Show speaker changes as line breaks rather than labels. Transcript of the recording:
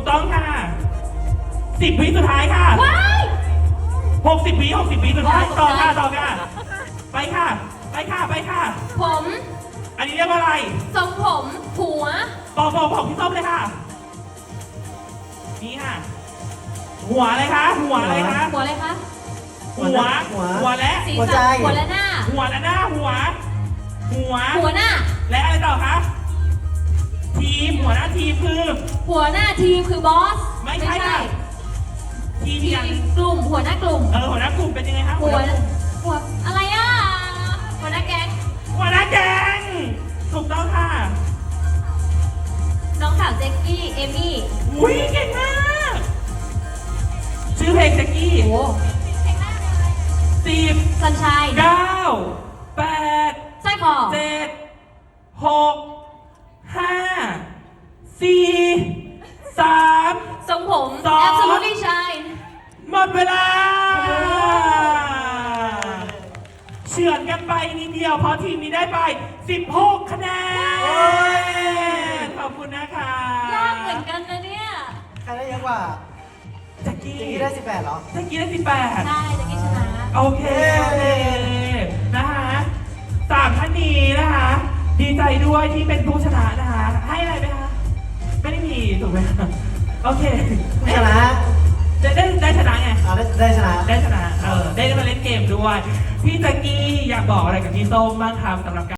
ต้องค่ะ10 วิสุดท้ายค่ะ
ว้าย
60 วิสุดท้ายต่อค่ะไปค่ะ
ผม
อันนี้เรียกว่าอะไร
ทรงผมหัว
บอกพี่ส้มเลยค่ะนี่ค่ะหัวอะไรคะหัวอะไรคะ
หัวอะไรคะ
หัวและ
สี
หัวใจ
สันหัวและหน้า
หัวและหน้าหัว
หัวหน้า
และอะไรต่อคะทีมหัวหน้าทีมคือ
หัวหน้าทีมคือบอส
ไม่ใช่ค่ะทีม
ที
อย่าง
มกลุ่มหัวหน้ากลุ่ม
หัวหน้ากลุ่มเป็นยังไงคะ
หัวอะไรอ่ะหัวหน้าแก๊ง
หัวหน้าแก๊งถูกต้องค่ะ
น้องสาวเจ๊กกี้เอมี่
อุ้ยเก่งมากชื่อเพลงแจ็กกี้
โอ้
10
สัญชัย
9 8
สร้อยคอ
7 6 5 4 3
ทรงผม
สอง
absolutely shine
หมดเวลาเฉือนกันไปนิดเดียวเพราะทีมนี้ได้ไป16 คะแนนขอบคุณนะคะ
ยากเหมือนกันนะเนี่ย
ใครได้เยอะกว่า
แจ็กกี้
เจกี้ได้18เหรอ
แจ็กกี้ได้
ใช่เจ๊กกี้ชนะ
18โอเคนะคะ3ท่านนี้นะคะ ดีใจด้วยที่เป็นผู้ชนะนะคะ ให้อะไรไหมคะ ไม่ได้มีถูกไหมคะโอเค
ชนะ
ได้ชนะไง
ได้ชนะ
ได้ชนะได้มาเล่นเกมด้วย พี่แจ็กกี้อยากบอกอะไรกับพี่ส้มบ้างครับสำหรับการ